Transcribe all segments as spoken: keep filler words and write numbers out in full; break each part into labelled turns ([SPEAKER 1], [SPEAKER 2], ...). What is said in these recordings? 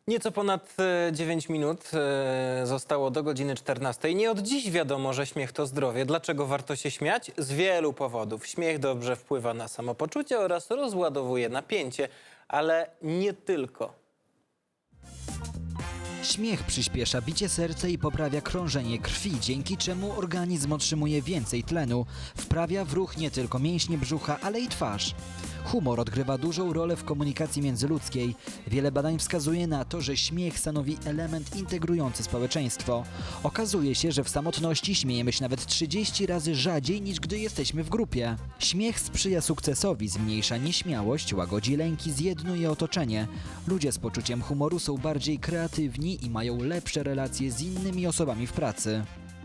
[SPEAKER 1] Nieco ponad e, dziewięć minut e, zostało do godziny czternastej. Nie od dziś wiadomo, że śmiech to zdrowie. Dlaczego warto się śmiać? Z wielu powodów. Śmiech dobrze wpływa na samopoczucie oraz rozładowuje napięcie, ale nie tylko.
[SPEAKER 2] Śmiech przyspiesza bicie serca i poprawia krążenie krwi, dzięki czemu organizm otrzymuje więcej tlenu. Wprawia w ruch nie tylko mięśnie brzucha, ale i twarz. Humor odgrywa dużą rolę w komunikacji międzyludzkiej. Wiele badań wskazuje na to, że śmiech stanowi element integrujący społeczeństwo. Okazuje się, że w samotności śmiejemy się nawet trzydzieści razy rzadziej niż gdy jesteśmy w grupie. Śmiech sprzyja sukcesowi, zmniejsza nieśmiałość, łagodzi lęki, zjednuje otoczenie. Ludzie z poczuciem humoru są bardziej kreatywni i mają lepsze relacje z innymi osobami w pracy.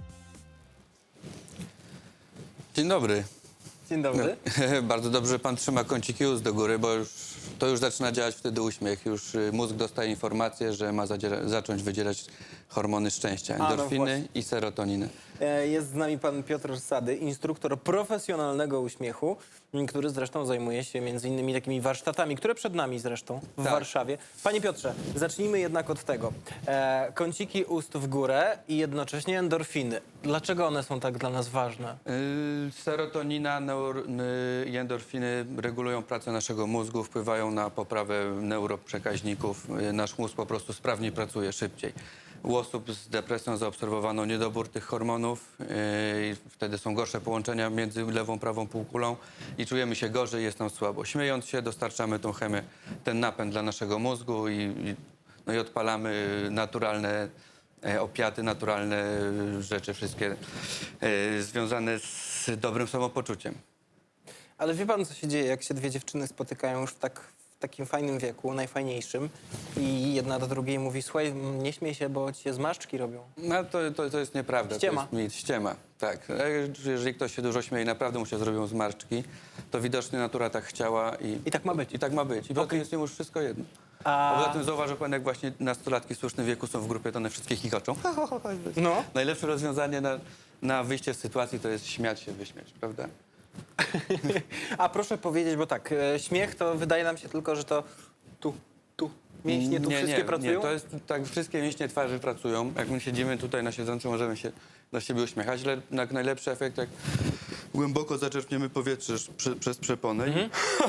[SPEAKER 3] Dzień dobry.
[SPEAKER 1] Dzień dobry.
[SPEAKER 3] Bardzo dobrze, że pan trzyma kąciki ust do góry, bo już, to już zaczyna działać wtedy uśmiech. Już y, mózg dostaje informację, że ma zadziera- zacząć wydzielać hormony szczęścia,
[SPEAKER 1] no
[SPEAKER 3] endorfiny
[SPEAKER 1] właśnie.
[SPEAKER 3] i serotoninę.
[SPEAKER 1] E, Jest z nami pan Piotr Sady, instruktor profesjonalnego uśmiechu, m, który zresztą zajmuje się między innymi takimi warsztatami, które przed nami zresztą w
[SPEAKER 3] Tak.
[SPEAKER 1] Warszawie. Panie Piotrze, zacznijmy jednak od tego. E, kąciki ust w górę i jednocześnie endorfiny. Dlaczego one są tak dla nas ważne?
[SPEAKER 3] Y, serotonina neur- y, i endorfiny regulują pracę naszego mózgu, wpływają na poprawę neuroprzekaźników. Y, nasz mózg po prostu sprawniej pracuje, szybciej. U osób z depresją zaobserwowano niedobór tych hormonów, yy, i wtedy są gorsze połączenia między lewą, prawą półkulą i czujemy się gorzej, jest nam słabo. Śmiejąc się dostarczamy tą chemię, ten napęd dla naszego mózgu i, i, no i odpalamy naturalne e, opiaty, naturalne e, rzeczy, wszystkie e, związane z dobrym samopoczuciem.
[SPEAKER 1] Ale wie pan, co się dzieje, jak się dwie dziewczyny spotykają już w tak w takim fajnym wieku, najfajniejszym i jedna do drugiej mówi: słuchaj, nie śmiej się, bo ci się zmarszczki robią.
[SPEAKER 3] No to, to, to jest nieprawda.
[SPEAKER 1] Ściema.
[SPEAKER 3] To jest mit, ściema, tak. E, Jeżeli ktoś się dużo śmieje i naprawdę mu się zrobią zmarszczki, to widocznie natura tak chciała i...
[SPEAKER 1] I tak ma być.
[SPEAKER 3] I tak ma być. I poza tym jest im już wszystko jedno.
[SPEAKER 1] A-
[SPEAKER 3] A poza tym zauważył pan, jak właśnie nastolatki w słusznym wieku są w grupie, to one wszystkie chichoczą.
[SPEAKER 1] No.
[SPEAKER 3] Najlepsze rozwiązanie na, na wyjście z sytuacji to jest śmiać się, wyśmiać, prawda?
[SPEAKER 1] A proszę powiedzieć, bo tak, e, śmiech to wydaje nam się tylko, że to tu, tu, mięśnie tu
[SPEAKER 3] nie,
[SPEAKER 1] wszystkie
[SPEAKER 3] nie,
[SPEAKER 1] pracują?
[SPEAKER 3] Nie, to jest tak, wszystkie mięśnie twarzy pracują. Jak my siedzimy tutaj na siedząco, możemy się do siebie uśmiechać, ale jak najlepszy efekt, jak głęboko zaczerpniemy powietrze przy, przez przeponę.
[SPEAKER 1] Mhm.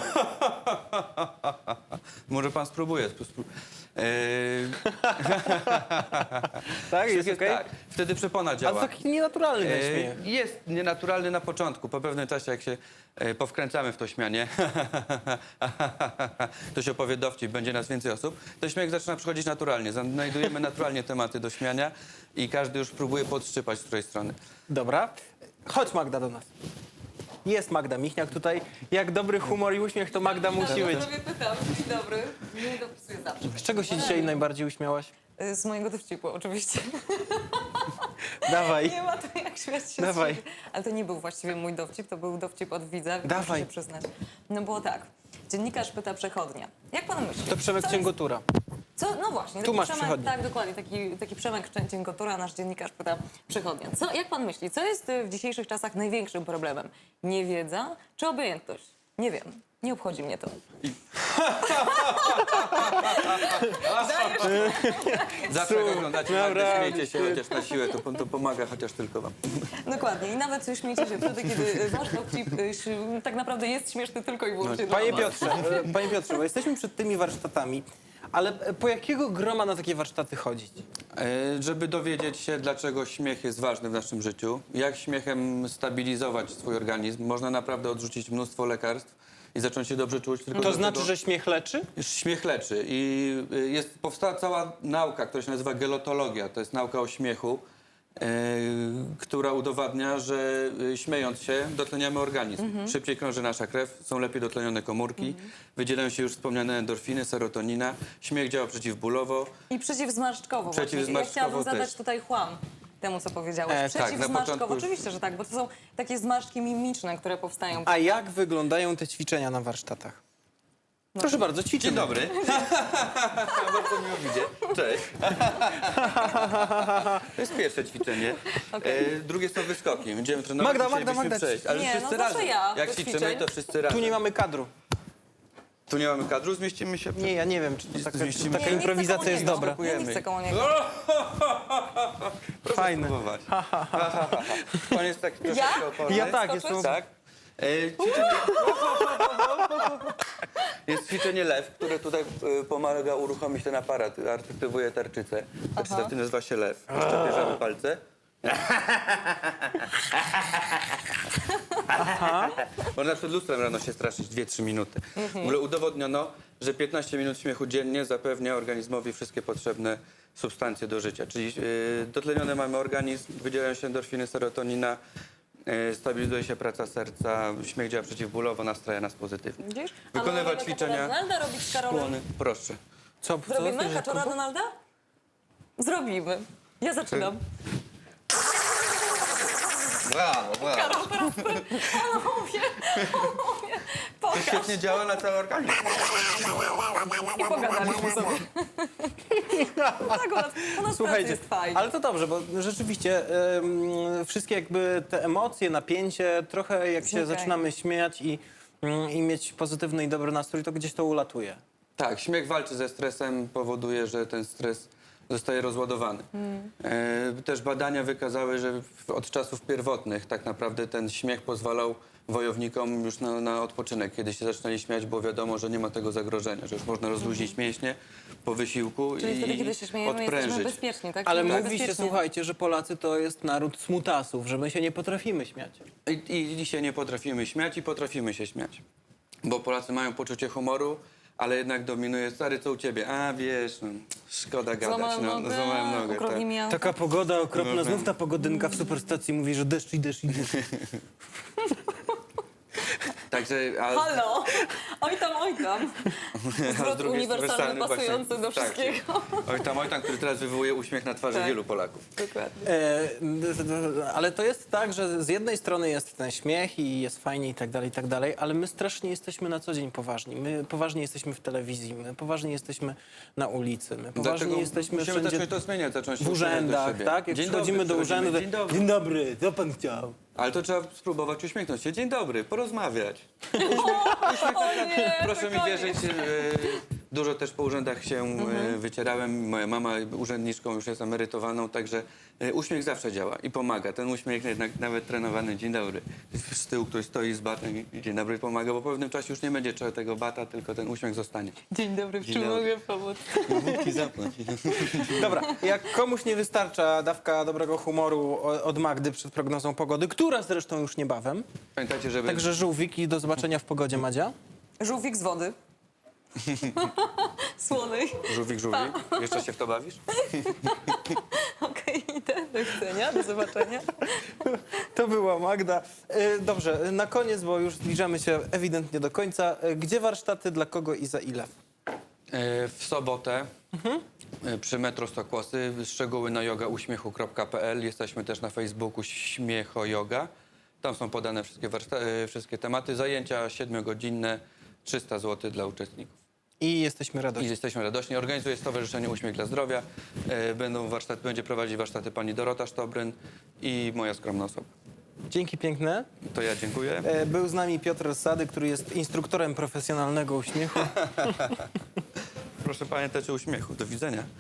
[SPEAKER 3] Może pan spróbuje. Spró- eee,
[SPEAKER 1] Tak, jest
[SPEAKER 3] jest
[SPEAKER 1] okej?
[SPEAKER 3] tak, wtedy przepona
[SPEAKER 1] A
[SPEAKER 3] działa.
[SPEAKER 1] to taki nienaturalny ten śmiech.
[SPEAKER 3] E, Jest nienaturalny na początku. Po pewnym czasie, jak się e, powkręcamy w to śmianie, to się opowie dowcip, będzie nas więcej osób, to śmiech zaczyna przychodzić naturalnie. Znajdujemy naturalnie tematy do śmiania i każdy już próbuje podszczypać z której strony.
[SPEAKER 1] Dobra, chodź Magda do nas. Jest Magda Michniak tutaj. Jak dobry humor i uśmiech to Magda musi być.
[SPEAKER 4] sobie pytam. Dzień dobry. Nie dopisuję zawsze.
[SPEAKER 1] Z czego się dzisiaj najbardziej uśmiałaś?
[SPEAKER 4] Z mojego dowcipu, oczywiście.
[SPEAKER 1] Dawaj.
[SPEAKER 4] Nie ma to jak śmiać się.
[SPEAKER 1] Dawaj.
[SPEAKER 4] z siebie. Ale to nie był właściwie mój dowcip, to był dowcip od widza.
[SPEAKER 1] Dawaj.
[SPEAKER 4] Muszę się przyznać. No było tak. Dziennikarz pyta przechodnia. Jak pan myśli?
[SPEAKER 1] To Przemek
[SPEAKER 4] co
[SPEAKER 1] Cięgotura.
[SPEAKER 4] Co? No właśnie.
[SPEAKER 1] Tu
[SPEAKER 4] taki
[SPEAKER 1] masz
[SPEAKER 4] Przemek,
[SPEAKER 1] przechodnię.
[SPEAKER 4] Tak, dokładnie. Taki, taki Przemek Cięgotura, nasz dziennikarz pyta przechodnia. Co, jak pan myśli, co jest y, w dzisiejszych czasach największym problemem? Niewiedza czy obojętność? Nie wiem. Nie obchodzi mnie to.
[SPEAKER 3] Zawsze jak oglądacie Magdę,
[SPEAKER 1] Dobra.
[SPEAKER 3] śmiejcie się chociaż na siłę, to, to pomaga chociaż tylko wam.
[SPEAKER 4] Dokładnie. I nawet śmiejcie się wtedy, kiedy wasz dowcip y, ś- tak naprawdę jest śmieszny tylko i wyłącznie dla
[SPEAKER 1] Panie
[SPEAKER 4] was.
[SPEAKER 1] Piotrze, e, panie Piotrze, bo jesteśmy przed tymi warsztatami, ale e, po jakiego groma na takie warsztaty chodzić?
[SPEAKER 3] E, Żeby dowiedzieć się, dlaczego śmiech jest ważny w naszym życiu, jak śmiechem stabilizować swój organizm, można naprawdę odrzucić mnóstwo lekarstw i zacząć się dobrze czuć. Tylko
[SPEAKER 1] To
[SPEAKER 3] do
[SPEAKER 1] znaczy,
[SPEAKER 3] tego-
[SPEAKER 1] że śmiech leczy?
[SPEAKER 3] Śmiech leczy i y, jest, powstała cała nauka, która się nazywa gelotologia. To jest nauka o śmiechu, e, która udowadnia, że y, śmiejąc się dotleniamy organizm. Szybciej krąży nasza krew, są lepiej dotlenione komórki, wydzielają się już wspomniane endorfiny, serotonina. Śmiech działa przeciwbólowo.
[SPEAKER 4] I przeciwzmarszczkowo właśnie. Ja
[SPEAKER 3] Przeciwzmarszczkowo
[SPEAKER 4] chciałabym zadać
[SPEAKER 3] też.
[SPEAKER 4] tutaj chłam temu, co powiedziałeś.
[SPEAKER 1] E, tak,
[SPEAKER 3] na
[SPEAKER 4] Przeciwzmarszczkowo.
[SPEAKER 3] początku już-
[SPEAKER 4] Oczywiście, że tak, bo to są takie zmarszczki mimiczne, które powstają.
[SPEAKER 1] A jak wyglądają te ćwiczenia na warsztatach? Proszę bardzo, ćwiczymy.
[SPEAKER 3] Dzień dobry. Bardzo miło widzieć. Cześć. To jest pierwsze ćwiczenie. E, drugie są wyskoki. Będziemy trenować.
[SPEAKER 1] Magda,
[SPEAKER 3] dzisiaj
[SPEAKER 1] Magda,
[SPEAKER 3] byśmy
[SPEAKER 1] Magda,
[SPEAKER 3] przejść. Ale
[SPEAKER 4] Nie,
[SPEAKER 3] wszyscy
[SPEAKER 4] no zawsze
[SPEAKER 3] razem.
[SPEAKER 4] ja
[SPEAKER 3] Jak
[SPEAKER 4] do
[SPEAKER 3] ćwiczymy,
[SPEAKER 4] ćwiczeń.
[SPEAKER 3] to wszyscy razem.
[SPEAKER 1] Tu nie mamy kadru.
[SPEAKER 3] Tu nie mamy kadru, zmieścimy się.
[SPEAKER 1] Nie, ja nie wiem, czy to taka,
[SPEAKER 3] Zmieścimy
[SPEAKER 1] taka
[SPEAKER 3] się.
[SPEAKER 4] Nie, nie chcę
[SPEAKER 1] improwizacja
[SPEAKER 4] koło
[SPEAKER 1] jest
[SPEAKER 4] niego.
[SPEAKER 1] dobra.
[SPEAKER 4] Ja nie chcę koło niego.
[SPEAKER 3] Proszę
[SPEAKER 1] Fajne.
[SPEAKER 3] spróbować. Ha, ha, ha, ha, ha. Pan jest taki troszeczkę oporny.
[SPEAKER 1] Ja tak,
[SPEAKER 4] Skoczyć?
[SPEAKER 1] jestem...
[SPEAKER 3] Tak. E, ćwiczenie... Jest ćwiczenie lew, które tutaj e, pomaga uruchomić ten aparat, aktywuje tarczycę. Tarczyca nazywa się lew. Jeszcze bierzemy palce. Można przed lustrem rano się straszyć dwie trzy minuty. W ogóle udowodniono, że piętnaście minut śmiechu dziennie zapewnia organizmowi wszystkie potrzebne substancje do życia. Czyli yy, dotleniony mamy organizm, wydzielają się endorfiny, serotonina, yy, stabilizuje się praca serca, śmiech działa przeciwbólowo, nastraja nas pozytywnie.
[SPEAKER 4] Widzisz? A my
[SPEAKER 3] Wykonywać
[SPEAKER 4] możemy
[SPEAKER 3] ćwiczenia.
[SPEAKER 4] kaczora Donalda robić z Karolem?
[SPEAKER 3] Skłony. Proszę.
[SPEAKER 1] Co, co?
[SPEAKER 4] Zrobimy kaczora Donalda? Zrobimy. Ja zaczynam.
[SPEAKER 3] Brawo, brawo.
[SPEAKER 4] Karol, teraz ty. Panowie, panowie,
[SPEAKER 3] To
[SPEAKER 4] pokaż.
[SPEAKER 3] świetnie działa na cały organizm.
[SPEAKER 4] I pogadaliśmy sobie. No tak, u nas, u nas pracy jest fajnie.
[SPEAKER 1] ale to dobrze, bo rzeczywiście em, wszystkie jakby te emocje, napięcie, trochę jak się
[SPEAKER 4] Znikają.
[SPEAKER 1] zaczynamy śmiać i, mm, i mieć pozytywny i dobry nastrój, to gdzieś to ulatuje.
[SPEAKER 3] Tak, śmiech walczy ze stresem, powoduje, że ten stres zostaje rozładowany. E, też badania wykazały, że w, od czasów pierwotnych tak naprawdę ten śmiech pozwalał wojownikom już na, na odpoczynek. Kiedy się zaczynali śmiać, było wiadomo, że nie ma tego zagrożenia, że już można rozluźnić mięśnie po wysiłku
[SPEAKER 4] Czyli
[SPEAKER 3] i
[SPEAKER 4] wtedy, kiedy się śmiejemy, jesteśmy
[SPEAKER 3] odprężyć.
[SPEAKER 4] bezpieczni, tak?
[SPEAKER 1] Ale
[SPEAKER 4] Czyli
[SPEAKER 1] mówi się,
[SPEAKER 4] bezpiecznie.
[SPEAKER 1] słuchajcie, że Polacy to jest naród smutasów, że my się nie potrafimy śmiać.
[SPEAKER 3] I, I dzisiaj nie potrafimy śmiać i potrafimy się śmiać. Bo Polacy mają poczucie humoru, ale jednak dominuje stary, co u ciebie? A wiesz, no, szkoda gadać.
[SPEAKER 4] Złamałem
[SPEAKER 3] No,
[SPEAKER 4] nogę,
[SPEAKER 3] złamałem nogę.
[SPEAKER 4] ukradli
[SPEAKER 3] Tak.
[SPEAKER 4] mi auto.
[SPEAKER 1] Taka pogoda okropna,
[SPEAKER 3] No,
[SPEAKER 1] znów ta pogodynka w superstacji mówi, że deszcz i deszcz i deszcz.
[SPEAKER 3] Także, a,
[SPEAKER 4] Halo! Oj tam, oj tam.
[SPEAKER 3] a z
[SPEAKER 4] Zwrot
[SPEAKER 3] drugiej
[SPEAKER 4] uniwersalny,
[SPEAKER 3] strony
[SPEAKER 4] pasujący
[SPEAKER 3] właśnie-
[SPEAKER 4] do
[SPEAKER 3] tak,
[SPEAKER 4] wszystkiego.
[SPEAKER 3] Oj tam, oj tam, który teraz wywołuje uśmiech na twarzy
[SPEAKER 4] Tak.
[SPEAKER 3] wielu Polaków.
[SPEAKER 4] Dokładnie.
[SPEAKER 1] E, d- d- ale to jest tak, że z jednej strony jest ten śmiech i jest fajnie i tak dalej, i tak dalej, ale my strasznie jesteśmy na co dzień poważni. My poważnie jesteśmy w telewizji, my poważnie jesteśmy na ulicy, my poważnie
[SPEAKER 3] Dlatego
[SPEAKER 1] jesteśmy
[SPEAKER 3] musimy
[SPEAKER 1] wszędzie
[SPEAKER 3] zacząć to zmieniać, zacząć się
[SPEAKER 1] w
[SPEAKER 3] uśmiechać do
[SPEAKER 1] urzędach,
[SPEAKER 3] siebie.
[SPEAKER 1] tak? Jak
[SPEAKER 3] Dzień
[SPEAKER 1] przychodzimy
[SPEAKER 3] dobry,
[SPEAKER 1] do
[SPEAKER 3] przychodzimy.
[SPEAKER 1] urzędu, to
[SPEAKER 3] Dzień dobry.
[SPEAKER 1] dzień dobry, co pan chciał?
[SPEAKER 3] Ale to trzeba spróbować uśmiechnąć się. Dzień dobry, porozmawiać.
[SPEAKER 4] O nie,
[SPEAKER 3] Proszę mi
[SPEAKER 4] to
[SPEAKER 3] wierzyć, e, dużo też po urzędach się e, wycierałem. Moja mama urzędniczką już jest emerytowaną, także e, uśmiech zawsze działa i pomaga. Ten uśmiech jednak nawet trenowany, dzień dobry. Z tyłu ktoś stoi z batem i dzień dobry pomaga, bo po pewnym czasie już nie będzie trzeba tego bata, tylko ten uśmiech zostanie.
[SPEAKER 4] Dzień dobry, w
[SPEAKER 3] Dzień
[SPEAKER 4] czym
[SPEAKER 3] dobry.
[SPEAKER 4] mogę pomóc?
[SPEAKER 3] Wódki zapnąć.
[SPEAKER 1] Dobra, jak komuś nie wystarcza dawka dobrego humoru o- od Magdy przed prognozą pogody, która zresztą już niebawem,
[SPEAKER 3] Pamiętajcie, żeby...
[SPEAKER 1] także żółwik i do zobaczenia w pogodzie, Madzia.
[SPEAKER 4] Żółwik z wody. Słonej.
[SPEAKER 3] Żółwik, żółwik. Jeszcze się w to bawisz?
[SPEAKER 4] Okej, idę. Do widzenia, do zobaczenia.
[SPEAKER 1] To była Magda. E, Dobrze, na koniec, bo już zbliżamy się ewidentnie do końca. E, Gdzie warsztaty, dla kogo i za ile?
[SPEAKER 3] E, W sobotę e, przy Metro Stokłosy. Szczegóły na yoga uśmiechu kropka p l. Jesteśmy też na Facebooku Śmiecho Yoga. Tam są podane wszystkie, warszta- e, wszystkie tematy. Zajęcia siedmiogodzinne, trzysta złotych dla uczestników.
[SPEAKER 1] I jesteśmy
[SPEAKER 3] I
[SPEAKER 1] radośni.
[SPEAKER 3] jesteśmy radośni. Organizuje Stowarzyszenie Uśmiech dla Zdrowia. E, Będą warsztaty, będzie prowadzić warsztaty pani Dorota Sztobryn i moja skromna osoba.
[SPEAKER 1] Dzięki piękne.
[SPEAKER 3] To ja dziękuję.
[SPEAKER 1] E, Był z nami Piotr Sady, który jest instruktorem profesjonalnego uśmiechu.
[SPEAKER 3] Proszę pamiętać o uśmiechu. Do widzenia.